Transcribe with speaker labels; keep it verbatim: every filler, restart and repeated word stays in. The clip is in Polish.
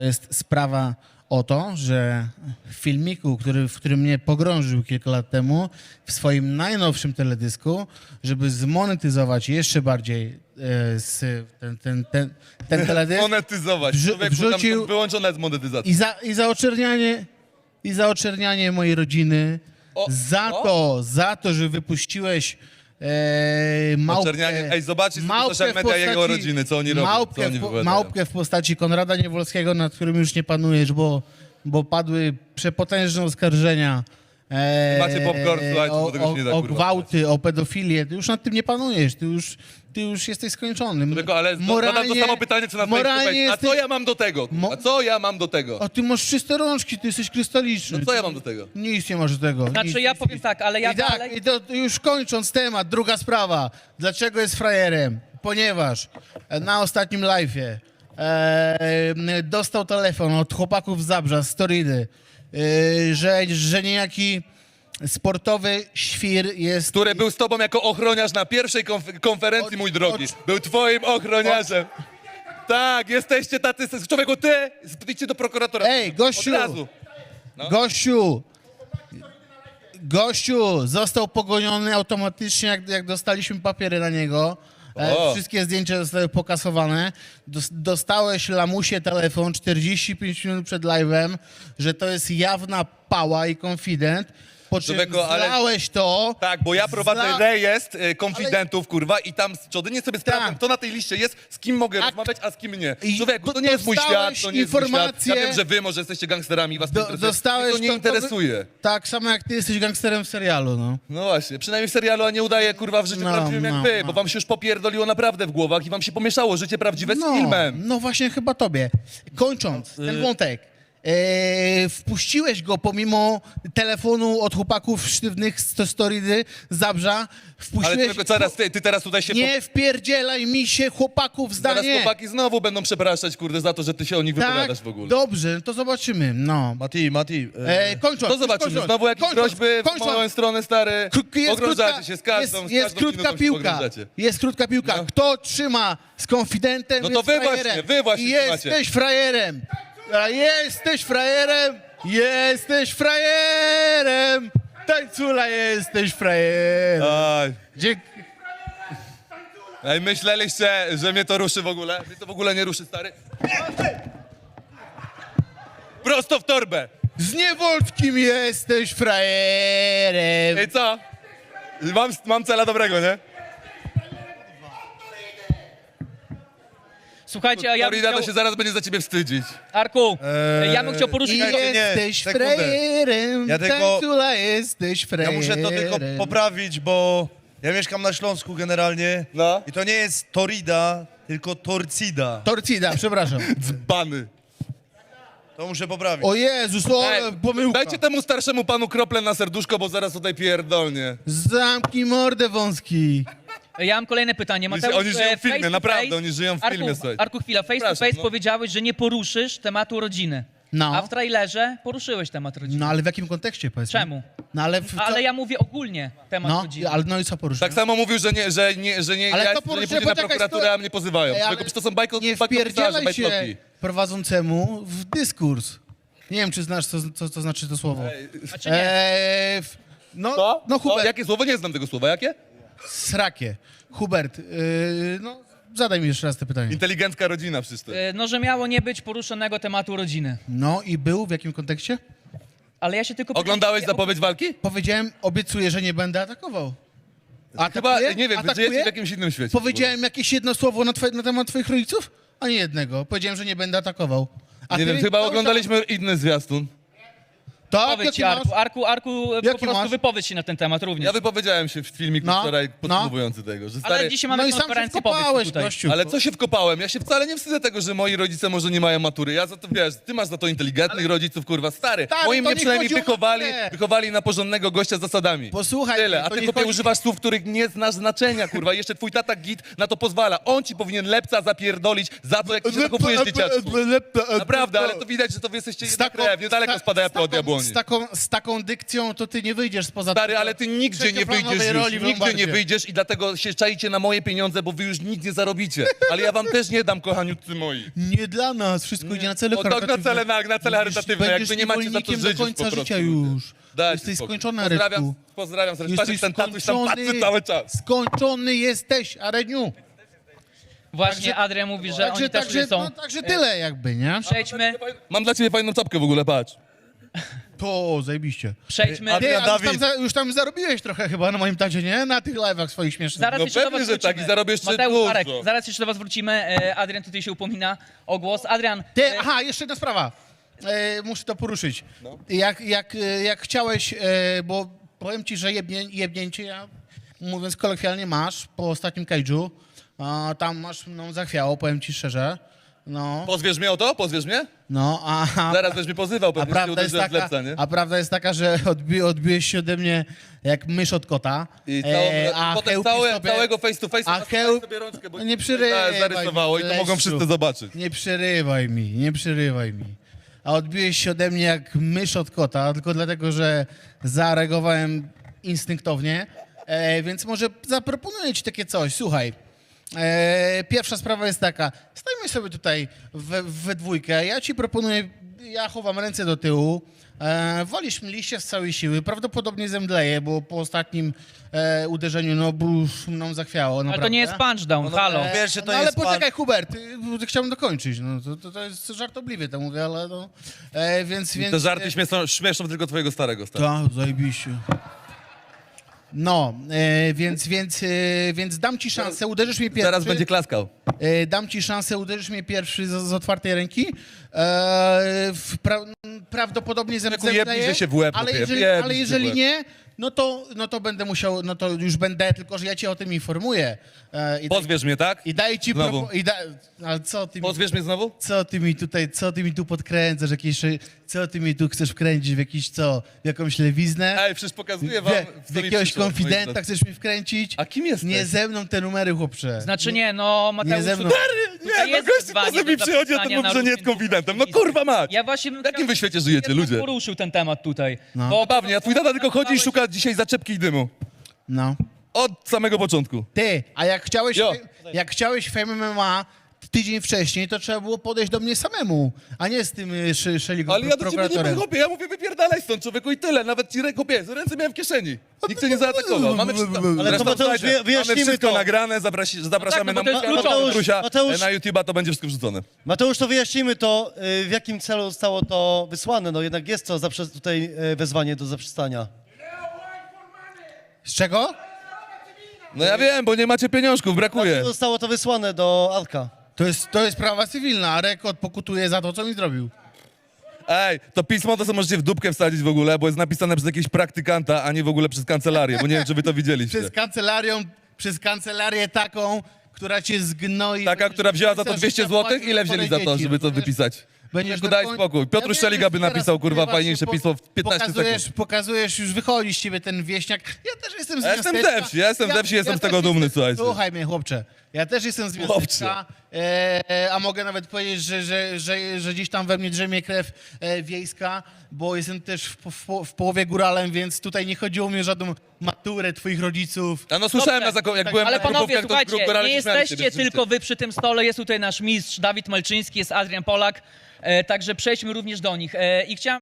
Speaker 1: To jest sprawa o to, że w filmiku, który, w którym mnie pogrążył kilka lat temu, w swoim najnowszym teledysku, żeby zmonetyzować jeszcze bardziej e, z, ten, ten, ten, ten teledysk
Speaker 2: Monetyzować.
Speaker 1: wrzu-
Speaker 2: Człowieku,
Speaker 1: wrzucił-
Speaker 2: tam wyłączona jest monetyzacja.
Speaker 1: i za, i za oczernianie i za oczernianie mojej rodziny,
Speaker 2: O,
Speaker 1: za
Speaker 2: o.
Speaker 1: to, za to, że wypuściłeś e, małpkę,
Speaker 2: Oczernianie. Ej, zobaczcie sobie
Speaker 1: małpkę
Speaker 2: social
Speaker 1: w
Speaker 2: media jego
Speaker 1: postaci-
Speaker 2: rodziny, co oni robią,
Speaker 1: małpkę,
Speaker 2: co oni
Speaker 1: w, po-
Speaker 2: wypowiadają.
Speaker 1: małpkę w postaci Konrada Niewolskiego, nad którym już nie panujesz, bo, bo padły przepotężne oskarżenia. E,
Speaker 2: Macie popcorn, słuchajcie,
Speaker 1: o,
Speaker 2: bo tego się nie da,
Speaker 1: o, o
Speaker 2: kurwa,
Speaker 1: gwałty, o pedofilię. Ty już nad tym nie panujesz, ty już, ty już jesteś skończony.
Speaker 2: Tylko, ale zadam to samo pytanie, co na
Speaker 1: moralnie
Speaker 2: Facebooku. A co
Speaker 1: jesteś-
Speaker 2: ja mam do tego?
Speaker 1: Mo-
Speaker 2: A co ja mam do tego?
Speaker 1: A ty masz czyste rączki, ty jesteś krystaliczny.
Speaker 2: No co ja mam do tego?
Speaker 1: Nic nie masz do tego.
Speaker 3: Znaczy
Speaker 1: nic,
Speaker 3: ja
Speaker 1: nic,
Speaker 3: powiem
Speaker 1: nic.
Speaker 3: tak, ale ja
Speaker 1: I tak,
Speaker 3: dalej...
Speaker 1: i to, to już kończąc temat, druga sprawa. Dlaczego jest frajerem? Ponieważ e, na ostatnim live'ie e, dostał telefon od chłopaków z Zabrza, z Storidy, e, że, że niejaki sportowy świr jest...
Speaker 2: Który był z tobą jako ochroniarz na pierwszej konf- konferencji,
Speaker 1: Od-
Speaker 2: mój drogi.
Speaker 1: od-
Speaker 2: Był twoim ochroniarzem. Tak, jesteście tacy... Człowieku, ty, idźcie do prokuratora.
Speaker 1: Ej, gościu!
Speaker 2: Od razu. No.
Speaker 1: Gościu! Gościu! Został pogoniony automatycznie, jak, jak dostaliśmy papiery na niego. E,
Speaker 2: O.
Speaker 1: wszystkie zdjęcia zostały pokasowane. Dos, dostałeś lamusie telefon czterdzieści pięć minut przed live'em, że to jest jawna pała i konfident. Po czym
Speaker 2: Człowieku, ale-
Speaker 1: zlałeś to.
Speaker 2: Tak, bo ja prowadzę
Speaker 1: Zla-
Speaker 2: rejestr y, konfidentów, kurwa, i tam codziennie sobie sprawdzam,
Speaker 1: Tak.
Speaker 2: kto na tej liście jest, z kim mogę
Speaker 1: A-
Speaker 2: rozmawiać, a z kim nie.
Speaker 1: I
Speaker 2: Człowieku, to nie jest mój świat,
Speaker 1: dostałeś
Speaker 2: to nie jest mój świat.
Speaker 1: informację-
Speaker 2: Ja wiem, że wy może jesteście gangsterami i was to
Speaker 1: Do,
Speaker 2: interesuje.
Speaker 1: dostałeś
Speaker 2: Mnie to nie interesuje.
Speaker 1: Tak samo jak ty jesteś gangsterem w serialu, no.
Speaker 2: No właśnie, przynajmniej w serialu, a nie udaje, kurwa, w życiu
Speaker 1: No,
Speaker 2: prawdziwym jak
Speaker 1: no,
Speaker 2: wy,
Speaker 1: no.
Speaker 2: bo wam się już popierdoliło naprawdę w głowach i wam się pomieszało życie prawdziwe z
Speaker 1: No,
Speaker 2: filmem.
Speaker 1: no właśnie chyba tobie. Kończąc ten wątek. E, wpuściłeś go pomimo telefonu od chłopaków sztywnych z Storidy, z Zabrza.
Speaker 2: Ale
Speaker 1: Wpuściłeś...
Speaker 2: tylko zaraz, ty, ty teraz tutaj się...
Speaker 1: Nie wpierdzielaj mi się chłopaków
Speaker 2: po... Zaraz
Speaker 1: zdanie.
Speaker 2: chłopaki znowu będą przepraszać, kurde, za to, że ty się o nich
Speaker 1: Tak,
Speaker 2: wypowiadasz w ogóle.
Speaker 1: dobrze, to zobaczymy. No.
Speaker 4: Mati, Mati, e,
Speaker 1: E, kończąc,
Speaker 2: To zobaczymy,
Speaker 1: kończąc,
Speaker 2: znowu jakieś
Speaker 1: kończąc,
Speaker 2: groźby w
Speaker 1: kończąc.
Speaker 2: moją stronę, stary.
Speaker 1: K- jest
Speaker 2: Pogrążacie
Speaker 1: krótka-
Speaker 2: się z każdą,
Speaker 1: jest,
Speaker 2: z
Speaker 1: jest
Speaker 2: każdą
Speaker 1: krótka
Speaker 2: minutą się
Speaker 1: piłka.
Speaker 2: pogrążacie.
Speaker 1: Jest krótka piłka.
Speaker 2: No.
Speaker 1: Kto trzyma z konfidentem,
Speaker 2: No to
Speaker 1: jest
Speaker 2: wy
Speaker 1: frajerem.
Speaker 2: właśnie, wy właśnie
Speaker 1: I
Speaker 2: trzymacie.
Speaker 1: jesteś frajerem. A jesteś frajerem. Jesteś frajerem. Tańcula, jesteś frajerem.
Speaker 2: Aj.
Speaker 1: Dzięki.
Speaker 2: Ej, myśleliście, że mnie to ruszy w ogóle? Mnie to w ogóle nie ruszy, stary. Prosto w torbę.
Speaker 1: Z Niewolskim jesteś frajerem.
Speaker 2: Ej, co? Mam, mam cela dobrego, nie?
Speaker 3: Słuchajcie, a ja bym
Speaker 2: Florida
Speaker 3: chciał...
Speaker 2: to się zaraz będzie za ciebie wstydzić.
Speaker 3: Arku,
Speaker 4: Eee,
Speaker 3: ja bym chciał
Speaker 1: I
Speaker 3: poruszyć...
Speaker 4: Czekajcie, nie,
Speaker 1: jesteś
Speaker 4: sekundę.
Speaker 1: frajerem.
Speaker 4: Ja tylko-
Speaker 1: Tańcula, jesteś
Speaker 4: ja
Speaker 1: frajerem.
Speaker 4: muszę to tylko poprawić, bo ja mieszkam na Śląsku generalnie
Speaker 2: No.
Speaker 4: i to nie jest Torida, tylko Torcida.
Speaker 1: Torcida, przepraszam.
Speaker 2: Dzbany.
Speaker 4: To muszę poprawić.
Speaker 1: O Jezus, o,
Speaker 2: Ej,
Speaker 1: pomyłka.
Speaker 2: dajcie temu starszemu panu kroplę na serduszko, bo zaraz tutaj pierdolnie.
Speaker 1: Zamknij mordę wąski.
Speaker 3: Ja mam kolejne pytanie. Mateusz,
Speaker 2: Oni żyją
Speaker 3: e,
Speaker 2: w filmie,
Speaker 3: face to
Speaker 2: naprawdę,
Speaker 3: face-
Speaker 2: oni żyją w
Speaker 3: Arku,
Speaker 2: filmie, słuchajcie.
Speaker 3: Arku, chwila, face to
Speaker 2: Przepraszam,
Speaker 3: face
Speaker 2: no.
Speaker 3: powiedziałeś, że nie poruszysz tematu rodziny.
Speaker 1: No.
Speaker 3: A w trailerze poruszyłeś temat rodziny.
Speaker 1: No ale w jakim kontekście, powiedz mi?
Speaker 3: Czemu?
Speaker 1: No ale... W, co-
Speaker 3: Ale ja mówię ogólnie temat
Speaker 1: No,
Speaker 3: rodziny.
Speaker 1: ale no i co poruszył?
Speaker 2: Tak samo mówił, że nie, że nie, że nie,
Speaker 1: Ale
Speaker 2: ja,
Speaker 1: to
Speaker 2: że nie
Speaker 1: poruszyłem,
Speaker 2: pójdzie na
Speaker 1: poczekaj,
Speaker 2: prokuraturę,
Speaker 1: sto-
Speaker 2: a mnie pozywają.
Speaker 1: Ej, ale
Speaker 2: Tylko to są bajko,
Speaker 1: nie
Speaker 2: bajkopisarze,
Speaker 1: wpierdzielaj się
Speaker 2: bajtloki.
Speaker 1: prowadzącemu w dyskurs. Nie wiem, czy znasz, co, co to znaczy to słowo.
Speaker 3: A czy nie?
Speaker 1: Eee, w- no,
Speaker 2: Co?
Speaker 1: no
Speaker 2: Co?
Speaker 1: Hubert,
Speaker 2: Jakie słowo? Nie znam tego słowa. Jakie?
Speaker 1: srakie. Hubert, yy, no zadaj mi jeszcze raz te pytanie.
Speaker 2: Inteligencka rodzina przecież to.
Speaker 3: E, No, że miało nie być poruszonego tematu rodziny.
Speaker 1: No i był, w jakim kontekście?
Speaker 3: Ale ja się tylko...
Speaker 2: Oglądałeś
Speaker 3: ja-
Speaker 2: zapowiedź walki?
Speaker 1: Powiedziałem, obiecuję, że nie będę atakował.
Speaker 2: Chyba,
Speaker 1: Atakuję?
Speaker 2: nie wiem, wy
Speaker 1: Atakuję?
Speaker 2: żyjecie w jakimś innym świecie.
Speaker 1: Powiedziałem jakieś jedno słowo na, twoje, na temat twoich rodziców? Ani jednego. Powiedziałem, że nie będę atakował. A
Speaker 2: Nie
Speaker 1: ty
Speaker 2: wiem, chyba
Speaker 1: cały
Speaker 2: oglądaliśmy inny zwiastun.
Speaker 1: czas- Tak,
Speaker 3: Wypowiedź
Speaker 1: jaki
Speaker 3: się,
Speaker 1: masz?
Speaker 3: Arku, Arku, Arku po
Speaker 1: Jaki
Speaker 3: prostu
Speaker 1: masz?
Speaker 3: wypowiedź się na ten temat również.
Speaker 2: Ja wypowiedziałem się w filmiku
Speaker 1: No,
Speaker 2: wczoraj
Speaker 1: no.
Speaker 2: podsumowujący tego, że stary...
Speaker 3: Ale dzisiaj mamy
Speaker 1: No i sam się
Speaker 3: konferencję, powiedz
Speaker 1: wkopałeś,
Speaker 3: tutaj.
Speaker 1: gościu.
Speaker 2: Ale co się wkopałem? Ja się wcale nie wstydzę tego, że moi rodzice może nie mają matury. Ja za to, wiesz, ty masz za to inteligentnych rodziców, kurwa, stary.
Speaker 1: Stary,
Speaker 2: Moi
Speaker 1: to
Speaker 2: mnie
Speaker 1: nie
Speaker 2: przynajmniej
Speaker 1: chodzi o
Speaker 2: wychowali,
Speaker 1: maturę.
Speaker 2: wychowali na porządnego gościa z zasadami.
Speaker 1: Posłuchaj
Speaker 2: Tyle,
Speaker 1: mnie,
Speaker 2: a
Speaker 1: to
Speaker 2: ty
Speaker 1: nie
Speaker 2: chłopie
Speaker 1: chodzi-
Speaker 2: używasz słów, których nie znasz znaczenia, kurwa. Jeszcze twój tata git na to pozwala. On ci powinien lepca zapierdolić za to, jak ty się zachowujesz, dzieciaczku. Naprawdę, ale to widać, że to wy jesteście jedna
Speaker 1: taką-
Speaker 2: krew, niedaleko
Speaker 1: z ta-
Speaker 2: spada
Speaker 1: z
Speaker 2: jabłka od
Speaker 1: taką-
Speaker 2: jabłoni. dzwonię.
Speaker 1: z taką, z taką dykcją to ty nie wyjdziesz spoza...
Speaker 2: Stary, ale ty nigdzie nie
Speaker 1: trzecioplanowej
Speaker 2: wyjdziesz już,
Speaker 1: roli w
Speaker 2: nigdzie nie
Speaker 1: Lombardzie.
Speaker 2: wyjdziesz i dlatego się czaicie na moje pieniądze, bo wy już nic nie zarobicie. Ale ja wam też nie dam, kochaniutcy moi.
Speaker 1: Nie dla nas, wszystko idzie na cele
Speaker 2: O, tak, na
Speaker 1: charytatywne.
Speaker 2: cele, na, na cele charytatywne,
Speaker 1: Będziesz
Speaker 2: jakby nie macie za to
Speaker 1: niewolnikiem
Speaker 2: żyć
Speaker 1: do
Speaker 2: już po
Speaker 1: końca
Speaker 2: prostu.
Speaker 1: życia już.
Speaker 2: Dajcie
Speaker 1: Jesteś
Speaker 2: spokój.
Speaker 1: skończony,
Speaker 2: Pozdrawiam,
Speaker 1: Areczku.
Speaker 2: pozdrawiam serdecznie. Patrz,
Speaker 1: Jesteś
Speaker 2: ten tatuś tam patrzy cały czas.
Speaker 1: skończony jesteś, Areniu.
Speaker 3: Właśnie Adrian mówi, że
Speaker 1: Także,
Speaker 3: oni też
Speaker 1: także,
Speaker 3: tutaj są.
Speaker 1: no, także tyle jakby, nie?
Speaker 3: Przejdźmy,
Speaker 2: Mam dla ciebie fajną czapkę w ogóle, patrz.
Speaker 1: To zajebiście.
Speaker 3: przejdźmy.
Speaker 1: Ty,
Speaker 4: Adrian
Speaker 1: a już, tam,
Speaker 4: Dawid.
Speaker 1: za- już tam zarobiłeś trochę chyba na moim tacie, nie? Na tych live'ach swoich śmiesznych.
Speaker 3: Zaraz
Speaker 2: No
Speaker 3: jeszcze do
Speaker 2: pewnie,
Speaker 3: was
Speaker 2: że tak,
Speaker 3: wrócimy.
Speaker 2: i zarobię jeszcze
Speaker 3: Mateusz,
Speaker 2: dużo.
Speaker 3: Marek, zaraz jeszcze do was wrócimy. E, Adrian tutaj się upomina o głos. Adrian,
Speaker 1: Ty,
Speaker 3: e,
Speaker 1: aha, jeszcze jedna sprawa. E, muszę to poruszyć.
Speaker 2: No.
Speaker 1: Jak, jak, e, jak chciałeś, e, bo powiem ci, że jebnię, jebnięcie, ja, mówiąc kolokwialnie, masz po ostatnim cage'u. A, tam masz mną zachwiało, powiem ci szczerze. No,
Speaker 2: Pozwiesz mnie o to? Pozwiesz mnie?
Speaker 1: no, a, a,
Speaker 2: Zaraz będziesz mnie pozywał,
Speaker 1: a,
Speaker 2: pewnie się
Speaker 1: prawda jest
Speaker 2: uderzyłem w
Speaker 1: taka,
Speaker 2: lepca, nie?
Speaker 1: a prawda jest taka, że odbi, odbiłeś się ode mnie jak mysz od kota.
Speaker 2: I całą,
Speaker 1: E, a
Speaker 2: potem
Speaker 1: chełpi
Speaker 2: całe,
Speaker 1: sobie-
Speaker 2: całego face to face
Speaker 1: a chełp-
Speaker 2: sobie rączkę, bo
Speaker 1: No nie przerywaj,
Speaker 2: zarysowało i to mogą
Speaker 1: Leszczu.
Speaker 2: wszyscy zobaczyć.
Speaker 1: Nie przerywaj mi, nie przerywaj mi. A odbiłeś się ode mnie jak mysz od kota, tylko dlatego, że zareagowałem instynktownie. E, więc może zaproponuję ci takie coś. Słuchaj, e, pierwsza sprawa jest taka. Stajmy sobie tutaj we, we dwójkę. Ja ci proponuję, ja chowam ręce do tyłu. E, walisz mi liście z całej siły. Prawdopodobnie zemdleję, bo po ostatnim e, uderzeniu no, już mną zachwiało.
Speaker 3: ale to
Speaker 1: naprawdę.
Speaker 3: nie jest punchdown, halo.
Speaker 4: E, Pierwszy to
Speaker 1: no, ale
Speaker 4: jest pan-
Speaker 1: poczekaj, Hubert, y, chciałbym dokończyć. No, to, to, to jest żartobliwie, to mówię, ale no. E, więc, więc,
Speaker 2: Te żarty śmieszą, śmieszą tylko twojego starego, stary.
Speaker 1: Tak, zajebiście. No, e, więc, więc, e, więc dam ci szansę, uderzysz mnie pierwszy.
Speaker 2: Zaraz będzie klaskał.
Speaker 1: E, dam ci szansę, uderzysz mnie pierwszy z, z otwartej ręki. E, w pra, prawdopodobnie zem-
Speaker 2: Jebnij,
Speaker 1: zemdleję,
Speaker 2: że się w łeb
Speaker 1: ale
Speaker 2: kopie,
Speaker 1: jeżeli,
Speaker 2: jebnij
Speaker 1: ale
Speaker 2: się w
Speaker 1: jeżeli
Speaker 2: łeb.
Speaker 1: nie, no to, no to będę musiał, no to już będę, tylko że ja cię o tym informuję. E, i, daj,
Speaker 2: Pozwiesz mnie, tak?
Speaker 1: I daję ci...
Speaker 2: Znowu.
Speaker 1: Propo, i da, ale co ty mi...
Speaker 2: Pozwiesz mnie znowu?
Speaker 1: Co ty mi tutaj, co ty mi tu podkręcasz, jakieś, co ty mi tu chcesz wkręcić w jakiś, co, w jakąś lewiznę?
Speaker 2: Ej, przecież pokazuję wam,
Speaker 1: Wie,
Speaker 2: co
Speaker 1: w
Speaker 2: mi
Speaker 1: jakiegoś
Speaker 2: przyszło, moi
Speaker 1: konfidenta
Speaker 2: drodzy.
Speaker 1: chcesz mi wkręcić?
Speaker 2: A kim jesteś?
Speaker 1: Nie ze mną te numery, chłopcze.
Speaker 3: Znaczy nie, no Mateusz,
Speaker 1: ze mną.
Speaker 3: tutaj
Speaker 2: Nie, no
Speaker 3: jest
Speaker 2: gościu
Speaker 3: wyzwanie
Speaker 2: poza
Speaker 3: do
Speaker 2: mi przychodzi, a to
Speaker 3: zapisania
Speaker 2: mówi, że
Speaker 3: na
Speaker 2: nie jest
Speaker 3: różnych
Speaker 2: konfidentem. No
Speaker 3: miejscach.
Speaker 2: kurwa mać!
Speaker 3: Ja właśnie bym
Speaker 2: W jakim
Speaker 3: chciał-
Speaker 2: wy świecie żyjecie,
Speaker 3: jednak
Speaker 2: ludzie?
Speaker 3: poruszył ten temat tutaj.
Speaker 1: No.
Speaker 3: Bo
Speaker 2: Zabawnie, a twój tata tylko chodzi i szuka dzisiaj zaczepki i dymu.
Speaker 1: No.
Speaker 2: Od samego początku.
Speaker 1: Ty, a jak chciałeś,
Speaker 2: Jo.
Speaker 1: jak chciałeś Fame M M A tydzień wcześniej, to trzeba było podejść do mnie samemu, a nie z tym y, sz, Szeligą
Speaker 2: Ale ja do ciebie nie
Speaker 1: prokuratorem.
Speaker 2: podchopię, ja mówię wypierdalaj stąd człowieku i tyle. Nawet ci ręką pies, ręce miałem w kieszeni. Nikt cię nie zaatakował. Mamy wszystko,
Speaker 1: Ale
Speaker 2: Zresztą,
Speaker 4: to Mateusz,
Speaker 2: słuchajcie,
Speaker 4: wyja- wyjaśnijmy
Speaker 2: mamy wszystko
Speaker 4: to.
Speaker 2: nagrane, zaprasi, zapraszamy
Speaker 3: No tak, no bo
Speaker 2: na
Speaker 3: to jest
Speaker 2: na
Speaker 3: kluczowe.
Speaker 2: Mateusia,
Speaker 4: Mateusz-
Speaker 2: na YouTube'a, to będzie wszystko wrzucone.
Speaker 4: Mateusz, to wyjaśnijmy to, y, w jakim celu zostało to wysłane. No jednak jest to zaprze- tutaj y, wezwanie do zaprzestania.
Speaker 1: Z czego?
Speaker 2: No ja wiem, bo nie macie pieniążków, brakuje.
Speaker 4: Dlaczego zostało to wysłane do Arka?
Speaker 1: To jest, to jest prawa cywilna, a rekord pokutuje za to, co mi zrobił.
Speaker 2: Ej, to pismo to sobie możecie w dupkę wsadzić w ogóle, bo jest napisane przez jakiegoś praktykanta, a nie w ogóle przez kancelarię, bo nie wiem, czy wy to widzieliście.
Speaker 1: Przez kancelarią, przez kancelarię taką, która cię zgnoi.
Speaker 2: Taka,
Speaker 1: Będziesz
Speaker 2: która wzięła za to
Speaker 1: pisał, że
Speaker 2: dwieście
Speaker 1: trzeba
Speaker 2: złotych?
Speaker 1: płacić
Speaker 2: Ile wzięli za to,
Speaker 1: dzieci,
Speaker 2: żeby to
Speaker 1: rozumiesz?
Speaker 2: wypisać?
Speaker 1: Będziesz
Speaker 2: Tylko
Speaker 1: do
Speaker 2: daj
Speaker 1: koń-
Speaker 2: spokój. Piotr
Speaker 1: Ja wiem,
Speaker 2: Szeliga
Speaker 1: że
Speaker 2: by
Speaker 1: teraz
Speaker 2: napisał, kurwa,
Speaker 1: właśnie
Speaker 2: fajniejsze
Speaker 1: po-
Speaker 2: pismo w piętnaście
Speaker 1: pokazujesz,
Speaker 2: sekund.
Speaker 1: Pokazujesz, już wychodzi z ciebie ten wieśniak. Ja też jestem z
Speaker 2: Ja jestem
Speaker 1: miasteczka.
Speaker 2: ze wsi, ja jestem ze wsi, jestem z
Speaker 1: też
Speaker 2: tego dumny,
Speaker 1: jestem-
Speaker 2: słuchajcie.
Speaker 1: Słuchaj mnie, chłopcze. Ja też jestem z
Speaker 2: Chłopcze.
Speaker 1: miasteczka, e, a mogę nawet powiedzieć, że, że, że, że gdzieś tam we mnie drzemie krew e, wiejska, bo jestem też w, w, w połowie góralem, więc tutaj nie chodziło mi o żadną maturę twoich rodziców.
Speaker 2: A no słyszałem, na zako- jak byłem
Speaker 3: Ale
Speaker 2: na
Speaker 3: panowie,
Speaker 2: grupówkach, to
Speaker 3: słuchajcie,
Speaker 2: grup gorale
Speaker 3: nie
Speaker 2: się śmiali z
Speaker 3: jesteście
Speaker 2: siebie,
Speaker 3: tylko wy przy tym stole, jest tutaj nasz mistrz Dawid Malczyński, jest Adrian Polak, e, także przejdźmy również do nich. E, I chciałem